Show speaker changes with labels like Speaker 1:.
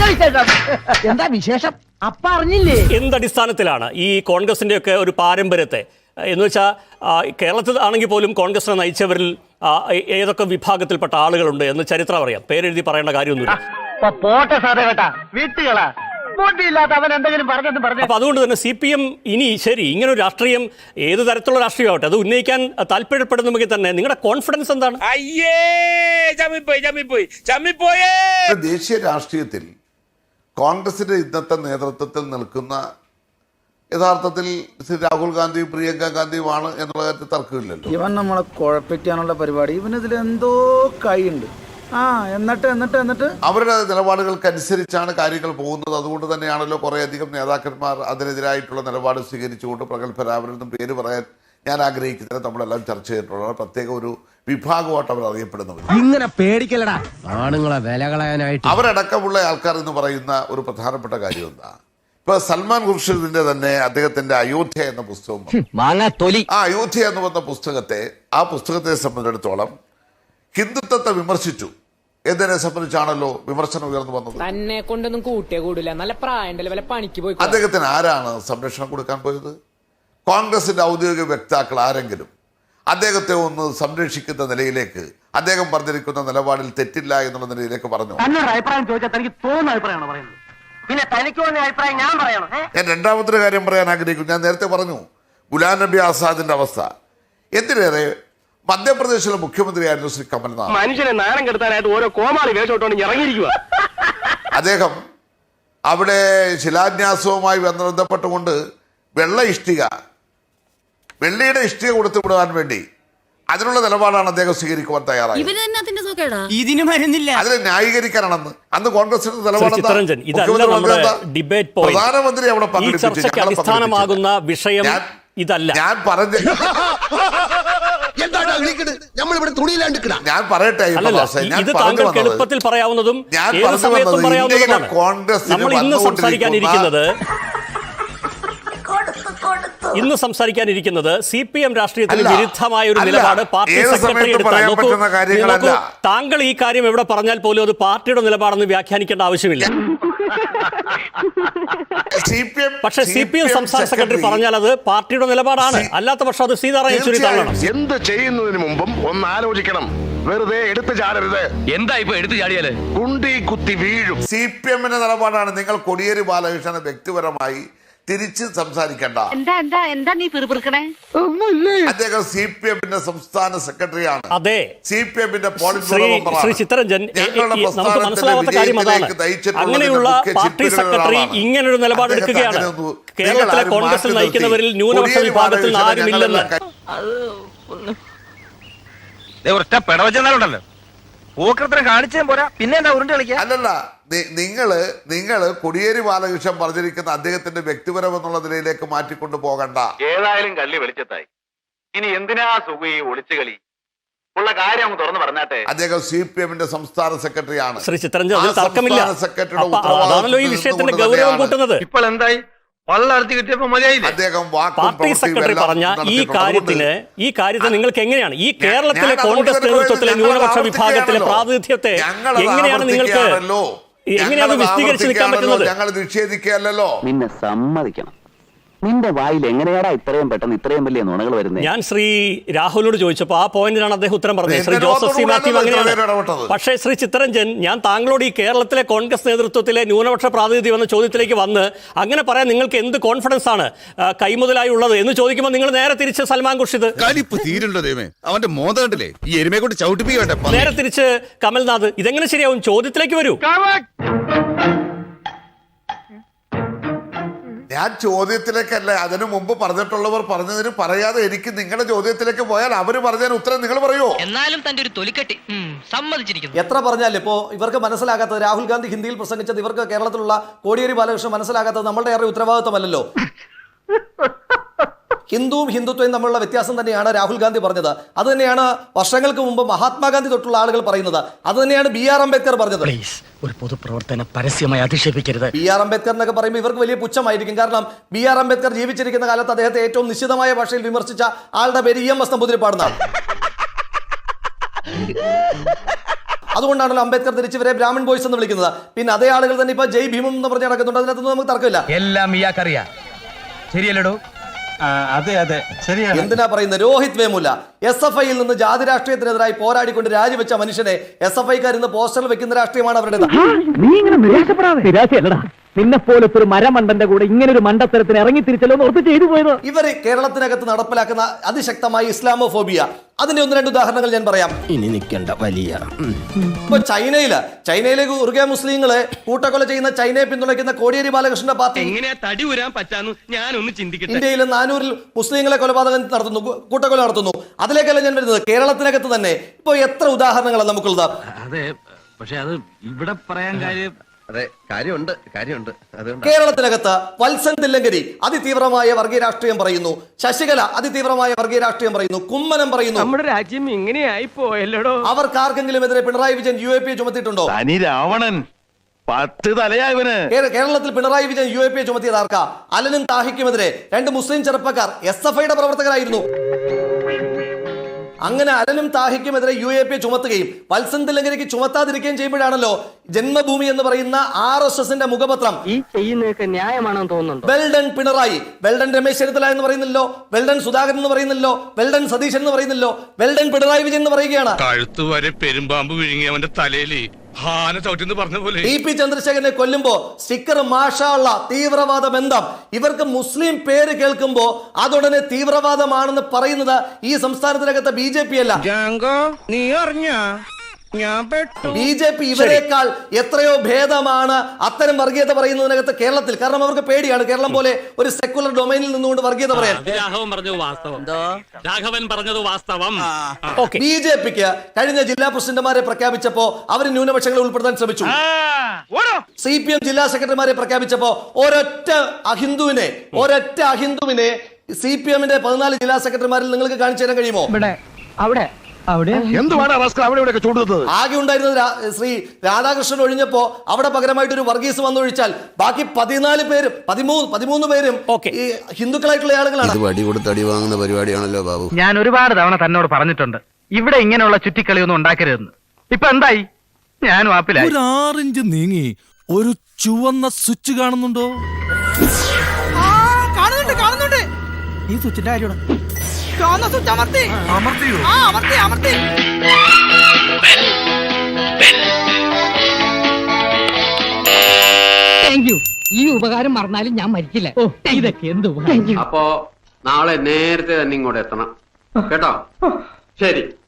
Speaker 1: എന്താ വിശേഷം? അപ്പ അറിഞ്ഞില്ലേ?
Speaker 2: എന്തടിസ്ഥാനത്തിലാണ് ഈ കോൺഗ്രസിന്റെ ഒക്കെ ഒരു പാരമ്പര്യത്തെ എന്ന് വെച്ചാൽ കേരളത്തിൽ ആണെങ്കിൽ പോലും കോൺഗ്രസിനെ നയിച്ചവരിൽ ഏതൊക്കെ വിഭാഗത്തിൽപ്പെട്ട ആളുകളുണ്ട് എന്ന് ചരിത്രം അറിയാം. പേരെഴുതി പറയേണ്ട കാര്യമൊന്നുമില്ല. അപ്പൊ അതുകൊണ്ട് തന്നെ CPM ഇനി ശരി ഇങ്ങനെ ഒരു രാഷ്ട്രീയം ഏത് തരത്തിലുള്ള രാഷ്ട്രീയമാവട്ടെ അത് ഉന്നയിക്കാൻ താല്പര്യപ്പെടുന്നുവെങ്കിൽ തന്നെ നിങ്ങളുടെ കോൺഫിഡൻസ് എന്താണ്?
Speaker 3: ദേശീയ രാഷ്ട്രീയത്തിൽ കോൺഗ്രസിന്റെ ഇന്നത്തെ നേതൃത്വത്തിൽ നിൽക്കുന്ന യഥാർത്ഥത്തിൽ ശ്രീ രാഹുൽ ഗാന്ധിയും പ്രിയങ്ക ഗാന്ധിയുമാണ് എന്നുള്ള കാര്യത്തിൽ തർക്കമില്ലല്ലോ.
Speaker 4: ഇവൻ നമ്മളെ കുഴപ്പിക്കാനുള്ള പരിപാടി, ഇവനിതിൽ എന്തോ കൈയുണ്ട്. എന്നിട്ട്
Speaker 3: അവരുടെ നിലപാടുകൾക്കനുസരിച്ചാണ് കാര്യങ്ങൾ പോകുന്നത്. അതുകൊണ്ട് തന്നെയാണല്ലോ കുറേയധികം നേതാക്കന്മാർ അതിനെതിരായിട്ടുള്ള നിലപാട് സ്വീകരിച്ചുകൊണ്ട് പ്രഗത്ഭരാവരെന്നും പേര് പറയാൻ ഞാൻ ആഗ്രഹിക്കുന്നത് നമ്മളെല്ലാം ചർച്ച ചെയ്തിട്ടുള്ള പ്രത്യേക ഒരു വിഭാഗമായിട്ട് അവർ അറിയപ്പെടുന്നത്.
Speaker 1: ഇങ്ങനെ പേടിക്കലടാ ആണുങ്ങളെ വില കളയാനായിട്ട്.
Speaker 3: അവരടക്കമുള്ള ആൾക്കാർ എന്ന് പറയുന്ന ഒരു പ്രധാനപ്പെട്ട കാര്യം എന്താ, ഇപ്പൊ സൽമാൻ ഖുർഷിദിന്റെ തന്നെ അദ്ദേഹത്തിന്റെ അയോധ്യ എന്ന പുസ്തകം, ആ അയോധ്യ എന്ന് പറഞ്ഞ പുസ്തകത്തെ സംബന്ധിച്ചിടത്തോളം ഹിന്ദുത്വത്തെ വിമർശിച്ചു എന്നതിനെ സംബന്ധിച്ചാണല്ലോ വിമർശനം ഉയർന്നു വന്നത്.
Speaker 5: തന്നെ കൊണ്ടൊന്നും കൂട്ടിയേ കൂടില്ല, നല്ല പ്രായണ്ടല്ലേ, വല്ല പണിക്ക് പോയി.
Speaker 3: അദ്ദേഹത്തിന് ആരാണ് സംരക്ഷണം കൊടുക്കാൻ പോയത്? കോൺഗ്രസിന്റെ ഔദ്യോഗിക വക്താക്കൾ ആരെങ്കിലും അദ്ദേഹത്തെ ഒന്ന് സംരക്ഷിക്കുന്ന നിലയിലേക്ക്, അദ്ദേഹം പറഞ്ഞിരിക്കുന്ന നിലപാടിൽ തെറ്റില്ല എന്നുള്ള നിലയിലേക്ക് പറഞ്ഞു?
Speaker 1: അഭിപ്രായം ചോദിച്ചാൽ തനിക്ക് തോന്നുന്ന അഭിപ്രായമാണ് പറയുന്നത്, പിന്നെ തനിക്ക് തോന്നിയ അഭിപ്രായം ഞാൻ പറയണം.
Speaker 3: ഞാൻ രണ്ടാമത്തെ കാര്യം പറയാൻ ആഗ്രഹിക്കുന്നു. ഞാൻ നേരത്തെ പറഞ്ഞു ഗുലാം നബി ആസാദിന്റെ അവസ്ഥ. എന്തിനേറെ മധ്യപ്രദേശിലെ മുഖ്യമന്ത്രിയായിരുന്നു ശ്രീ കമൽനാഥ്.
Speaker 6: മനുഷ്യനെ നാണം കെടുത്താനായിട്ട് ഓരോ കോമാളി വേഷോട്ടോണ്ട് ഇറങ്ങിയിരിക്കുക.
Speaker 3: അദ്ദേഹം അവിടെ ശിലാന്യാസവുമായി ബന്ധപ്പെട്ടുകൊണ്ട് വെള്ളിയുടെ ഇഷ്ടിക കൊടുത്തു വിടാൻ വേണ്ടി അതിനുള്ള നിലപാടാണ് അദ്ദേഹം സ്വീകരിക്കുവാൻ തയ്യാറായത്. അതിനെ ന്യായീകരിക്കാനാണെന്ന് അന്ന് കോൺഗ്രസിന്റെ നിലപാട്. പ്രധാനമന്ത്രി അവിടെ
Speaker 2: അടിസ്ഥാനമാകുന്ന വിഷയം ഇതല്ല.
Speaker 3: ഞാൻ പറഞ്ഞ ഞാൻ പറയട്ടെ,
Speaker 2: ഇത് താങ്കൾക്ക് എളുപ്പത്തിൽ പറയാവുന്നതും ഏത് സമയത്തും പറയാവുന്നതുമാണ്. നമ്മൾ ഇന്ന് സംസാരിക്കാനിരിക്കുന്നത് CPM രാഷ്ട്രീയത്തിന് വിരുദ്ധമായ ഒരു നിലപാട് പാർട്ടി സെക്രട്ടറി എടുത്താൽ താങ്കൾ ഈ കാര്യം എവിടെ പറഞ്ഞാൽ പോലും അത് പാർട്ടിയുടെ നിലപാടെന്ന് വ്യാഖ്യാനിക്കേണ്ട ആവശ്യമില്ല. പക്ഷേ CPM സംസ്ഥാന സെക്രട്ടറി പറഞ്ഞാൽ അത് പാർട്ടിയുടെ നിലപാടാണ്. അല്ലാത്ത പക്ഷം അത് സീതാറാം യെച്ചൂരി തള്ളണം.
Speaker 6: എന്ത് ചെയ്യുന്നതിന് മുമ്പും ഒന്ന് ആലോചിക്കണം. വെറുതെ എടുത്തു ചാടരുത്. എന്താ ഇപ്പൊ എടുത്തു ചാടിയാല് കുണ്ടി കുത്തി വീഴും.
Speaker 3: CPMന്റെ നിലപാടാണ്. നിങ്ങൾ കോടിയേരി ബാലകൃഷ്ണനെ വ്യക്തിപരമായി തിരിച്ച് സംസാരിക്കണ്ട.
Speaker 7: എന്താ നീ പിറുപിറുക്കണേ?
Speaker 3: അദ്ദേഹം CPMന്റെ സംസ്ഥാന സെക്രട്ടറിയാണ്.
Speaker 2: അതെ,
Speaker 3: CPMന്റെ
Speaker 2: ശ്രീ ചിത്തരഞ്ജൻ, നമുക്ക് മനസ്സിലാവാത്ത കാര്യം അതാണ്. അങ്ങനെയുള്ള പാർട്ടി സെക്രട്ടറി ഇങ്ങനൊരു നിലപാടെടുക്കുകയാണ്. കേരളത്തിലെ കോൺഗ്രസിൽ നയിക്കുന്നവരിൽ ന്യൂനപക്ഷ വിഭാഗത്തിൽ ആരുമില്ലെന്ന്
Speaker 6: ഒറ്റ പിടവച്ചെന്നാലുണ്ടല്ലോ പൂക്കൃത്രം കാണിച്ചേ പോരാ, പിന്നെ എന്താ ഉരുണ്ട് കളിക്കുക?
Speaker 3: അല്ലല്ല, നിങ്ങള് കോടിയേരി ബാലകൃഷ്ണൻ പറഞ്ഞിരിക്കുന്ന അദ്ദേഹത്തിന്റെ വ്യക്തിപരം എന്നുള്ള നിലയിലേക്ക് മാറ്റിക്കൊണ്ടു പോകണ്ട.
Speaker 8: ഏതായാലും കള്ളി വെളിച്ചത്തായി. ഇനി എന്തിനാ സുഖ ഈ ഒളിച്ചു കളി? ഉള്ള കാര്യം തുറന്നു പറഞ്ഞാട്ടെ.
Speaker 3: അദ്ദേഹം CPMന്റെ സംസ്ഥാന സെക്രട്ടറിയാണ്.
Speaker 2: ശ്രീ ചിത്തരഞ്ജൻ, അതിൽ തർക്കമില്ല. അതാണല്ലോ ഈ വിഷയത്തിന്റെ ഗൗരവം കൂട്ടുന്നത്.
Speaker 6: ഇപ്പോൾ എന്തായി?
Speaker 2: പാർട്ടി സെക്രട്ടറി പറഞ്ഞ ഈ കാര്യത്തെ നിങ്ങൾക്ക് എങ്ങനെയാണ് ഈ കേരളത്തിലെ കോൺഗ്രസ് നേതൃത്വത്തിലെ ന്യൂനപക്ഷ വിഭാഗത്തിലെ പ്രാതിനിധ്യത്തെ എങ്ങനെയാണ് നിങ്ങൾക്ക് വിശദീകരിച്ച് നിൽക്കാൻ പറ്റുന്നത്?
Speaker 3: ഞങ്ങൾ നിഷേധിക്കുകയല്ലോ.
Speaker 9: നിന്നെ സമ്മതിക്കണം. നിന്റെ വായിൽ എങ്ങനെയാടാ ഇത്രയും പെട്ടെന്ന് ഇത്രയും വലിയ നുണകൾ വരുന്നത്?
Speaker 2: ഞാൻ ശ്രീ രാഹുലിനോട് ചോദിച്ചപ്പോൾ ആ പോയിന്റിനാണ് അദ്ദേഹം ഉത്തരം പറഞ്ഞത്. ശ്രീ ജോസഫ് സി മാത്യു അങ്ങനെയാണ്. പക്ഷേ ശ്രീ ചിത്തരഞ്ജൻ, ഞാൻ താങ്കളോട് ഈ കേരളത്തിലെ കോൺഗ്രസ് നേതൃത്വത്തിലെ ന്യൂനപക്ഷ പ്രാതിനിധ്യം എന്ന ചോദ്യത്തിലേക്ക് വന്ന് അങ്ങനെ പറയാൻ നിങ്ങൾക്ക് എന്ത് കോൺഫിഡൻസ് ആണ് കൈമുതലായി ഉള്ളത് എന്ന് ചോദിക്കുമ്പോൾ നിങ്ങൾ നേരെ തിരിച്ച് സൽമാൻ ഖുർഷിദ്, നേരെ തിരിച്ച് കമൽനാഥ്, ഇതെങ്ങനെ ശരിയാവും? ചോദ്യത്തിലേക്ക് വരൂ.
Speaker 3: ഞാൻ ചോദ്യത്തിലേക്കല്ല, അതിനു മുമ്പ് പറഞ്ഞിട്ടുള്ളവർ പറഞ്ഞതിന് പറയാതെ എനിക്ക് നിങ്ങളുടെ ചോദ്യത്തിലേക്ക് പോയാൽ അവര് പറഞ്ഞതിന് ഉത്തരം നിങ്ങൾ പറയോ?
Speaker 5: എന്നാലും തന്റെ ഒരു തൊലിക്കെട്ടി സമ്മതിച്ചിരിക്കുന്നു.
Speaker 10: എത്ര പറഞ്ഞാൽ ഇപ്പോ ഇവർക്ക് മനസ്സിലാകാത്തത്, രാഹുൽ ഗാന്ധി ഹിന്ദിയിൽ പ്രസംഗിച്ചത് ഇവർക്ക് കേരളത്തിലുള്ള കോടിയേരി ബാലകൃഷ്ണൻ മനസ്സിലാകാത്തത് നമ്മളുടെ ഏറെ ഉത്തരവാദിത്വമല്ലല്ലോ. ഹിന്ദുവും ഹിന്ദുത്വവും തമ്മിലുള്ള വ്യത്യാസം തന്നെയാണ് രാഹുൽ ഗാന്ധി പറഞ്ഞത്. അത് തന്നെയാണ് വർഷങ്ങൾക്ക് മുമ്പ് മഹാത്മാഗാന്ധി തൊട്ടുള്ള ആളുകൾ പറയുന്നത്. അത് തന്നെയാണ് BR അംബേദ്കർ പറഞ്ഞത്.
Speaker 1: ഒരു പൊതുപ്രവർത്തനം പരസ്യമായി അധിക്ഷേപിക്കരുത്.
Speaker 10: BR അംബേദ്കർ എന്നൊക്കെ പറയുമ്പോൾ ഇവർക്ക് വലിയ പുച്ഛമായിരിക്കും. കാരണം BR അംബേദ്കർ ജീവിച്ചിരിക്കുന്ന കാലത്ത് അദ്ദേഹത്തെ ഏറ്റവും നിശ്ചിതമായ ഭാഷയിൽ വിമർശിച്ച ആളുടെ പേര് EMS നമ്പൂതിരിപ്പാടുന്ന. അതുകൊണ്ടാണല്ലോ അംബേദ്കർ തിരിച്ചിവരെ ബ്രാഹ്മൺ ബോയ്സ് എന്ന് വിളിക്കുന്നത്. പിന്നെ അതേ ആളുകൾ തന്നെ ഇപ്പൊ ജയ് ഭീമം എന്ന് പറഞ്ഞ് നടക്കുന്നുണ്ട്. അതിനകത്തൊന്നും നമുക്ക് തർക്കമില്ല.
Speaker 1: എല്ലാം ഇയാൾക്കറിയാം. ശരിയല്ലടോ? അതെ അതെ ശരിയാണ്.
Speaker 10: എന്തിനാ പറയുന്നത്? രോഹിത് വേമുല SFIയിൽ നിന്ന് ജാതി രാഷ്ട്രീയത്തിനെതിരായി പോരാടിക്കൊണ്ട് രാജിവെച്ച മനുഷ്യനെ SFIക്കാർ ഇന്ന് പോസ്റ്ററിൽ വെക്കുന്ന രാഷ്ട്രീയമാണ് അവരുടെ.
Speaker 9: നീ ഇങ്ങനെ നിരാശപ്പെടാതെ. നിരാശയല്ലടാ, നിന്നെ പോലത്തെ ഒരു മരമണ്ടന്റെ കൂടെ ഇങ്ങനെ ഒരു മണ്ടത്തരത്തിന് ഇറങ്ങി തിരിച്ചല്ലോ ഓർത്ത് ചെയ്തു പോയത്.
Speaker 10: ഇവര് കേരളത്തിനകത്ത് നടപ്പിലാക്കുന്ന അതിശക്തമായ ഇസ്ലാമോഫോബിയ, അതിന്റെ 1-2 ഉദാഹരണങ്ങൾ ഞാൻ പറയാം.
Speaker 1: ഇനി നിൽക്കേണ്ട വലിയ
Speaker 10: ഇപ്പൊ ചൈനയിലെ ഉറുഗെ മുസ്ലിങ്ങളെ കൂട്ടക്കൊല ചെയ്യുന്ന ചൈനയെ പിന്തുണയ്ക്കുന്ന കോടിയേരി ബാലകൃഷ്ണന്റെ പാർട്ടി
Speaker 1: എങ്ങനെയാ തടി ഉരാൻ പറ്റാന്ന് ഞാനൊന്ന് ചിന്തിക്കട്ടെ.
Speaker 10: ഇന്ത്യയിലെ 400 മുസ്ലിങ്ങളെ കൊലപാതകം നടത്തുന്നു, കൂട്ടക്കൊല നടത്തുന്നു. അതിലേക്കല്ല ഞാൻ വരുന്നത്. കേരളത്തിനകത്ത് തന്നെ ഇപ്പൊ എത്ര ഉദാഹരണങ്ങളാണ് നമുക്കുള്ളത്.
Speaker 1: അതെ, പക്ഷെ അത് ഇവിടെ പറയാൻ കാര്യം. അതെ, കാര്യമുണ്ട്.
Speaker 10: കേരളത്തിനകത്ത് വത്സൻ തില്ലങ്കരി അതിതീവ്രമായ വർഗീയ രാഷ്ട്രീയം പറയുന്നു. ശശികല അതിതീവ്രമായ വർഗീയ രാഷ്ട്രീയം പറയുന്നു. കുമ്മനം പറയുന്നു.
Speaker 1: നമ്മുടെ രാജ്യം ഇങ്ങനെയായി പോയല്ലോടോ.
Speaker 10: അവർക്കാർക്കെങ്കിലും എതിരെ പിണറായി വിജയൻ UAP ചുമത്തിയിട്ടുണ്ടോ?
Speaker 6: തനി രാവണൻ 10 തലയായവന്.
Speaker 10: കേരളത്തിൽ പിണറായി വിജയൻ UAP ചുമത്തിയത് ആർക്കാ? അലനും താഹിക്കുമെതിരെ 2 മുസ്ലിം ചെറുപ്പക്കാർ SFIയുടെ പ്രവർത്തകരായിരുന്നു. അങ്ങനെ അലനും താഹിക്കുമെതിരെ UAP ചുമത്തുകയും വത്സൻ തില്ലങ്കരിക്ക് ചുമത്താതിരിക്കുകയും ചെയ്യുമ്പോഴാണല്ലോ ജന്മഭൂമി എന്ന് പറയുന്ന RSSന്റെ മുഖപത്രം
Speaker 1: ഈ ചെയ്യുന്നതൊക്കെ ന്യായമാണെന്ന് തോന്നുന്നുണ്ട്.
Speaker 10: വെൽഡൺ പിണറായി, വെൽഡൺ രമേശ് ചെന്നിത്തല എന്ന് പറയുന്നില്ലോ, വെൽഡൺ സുധാകരൻ എന്ന് പറയുന്നില്ലോ, വെൽഡൺ സതീശൻ എന്ന് പറയുന്നില്ലോ, വെൽഡൺ പിണറായി വിജയൻ എന്ന് പറയുകയാണ്.
Speaker 6: കഴുത്ത് വരെ പെരുമ്പാമ്പ് വിഴുങ്ങി അവന്റെ തലയിൽ ഹാന ചവിട്ടിന്ന് പറഞ്ഞ പോലെ.
Speaker 10: TP ചന്ദ്രശേഖരനെ കൊല്ലുമ്പോ സ്റ്റിക്കർ മാഷാള്ള തീവ്രവാദ ബന്ധം. ഇവർക്ക് മുസ്ലിം പേര് കേൾക്കുമ്പോ അതുടനെ തീവ്രവാദമാണെന്ന് പറയുന്നത് ഈ സംസ്ഥാനത്തിനകത്ത് BJP അല്ല.
Speaker 1: നീ അറിഞ്ഞ
Speaker 10: BJP ഇവരെക്കാൾ എത്രയോ ഭേദമാണ് അത്തരം വർഗീയത പറയുന്നതിനകത്ത് കേരളത്തിൽ. കാരണം അവർക്ക് പേടിയാണ് കേരളം പോലെ ഒരു സെക്കുലർ ഡൊമൈനിൽ നിന്നുകൊണ്ട് വർഗീയത പറയാൻ. BJPക്ക് കഴിഞ്ഞ ജില്ലാ പ്രസിഡന്റുമാരെ പ്രഖ്യാപിച്ചപ്പോ അവർ ന്യൂനപക്ഷങ്ങളെ ഉൾപ്പെടുത്താൻ ശ്രമിച്ചു. CPM ജില്ലാ സെക്രട്ടറിമാരെ പ്രഖ്യാപിച്ചപ്പോ ഒരൊറ്റ അഹിന്ദുവിനെ CPMന്റെ 14 ജില്ലാ സെക്രട്ടറിമാരിൽ നിങ്ങൾക്ക് കാണിച്ചു തരാൻ കഴിയുമോ?
Speaker 6: എന്തുവാണ് അവിടെ ചൂടുന്നത്?
Speaker 10: ആകെ ഉണ്ടായിരുന്നത് ശ്രീ രാധാകൃഷ്ണൻ ഒഴിഞ്ഞപ്പോ അവിടെ പകരമായിട്ട് ഒരു വർഗീസ് വന്നൊഴിച്ചാൽ ബാക്കി 13 പേരും ഈ ഹിന്ദുക്കളായിട്ടുള്ള ആളുകളാണ്.
Speaker 11: വടി കൊടുത്ത് അടി വാങ്ങുന്ന പരിപാടിയാണല്ലോ ബാബു.
Speaker 1: ഞാൻ ഒരുപാട് തവണ തന്നോട് പറഞ്ഞിട്ടുണ്ട് ഇവിടെ ഇങ്ങനെയുള്ള ചുറ്റിക്കളിയൊന്നും ഉണ്ടാക്കരുതെന്ന്. ഇപ്പൊ എന്തായി? ഞാനും ആപ്പിലായി.
Speaker 11: 6 ഇഞ്ച് നീങ്ങി ഒരു ചുവന്ന സ്വിച്ച് കാണുന്നുണ്ടോ?
Speaker 5: കാണുന്നുണ്ട്. ഈ സ്വിച്ചിന്റെ കാര്യമാണ്. ഈ ഉപകാരം മറന്നാലും ഞാൻ മരിക്കില്ല. ഇതൊക്കെ എന്ത്
Speaker 8: അപ്പോ നാളെ നേരത്തെ തന്നെ ഇങ്ങോട്ട് എത്തണം കേട്ടോ. ശരി.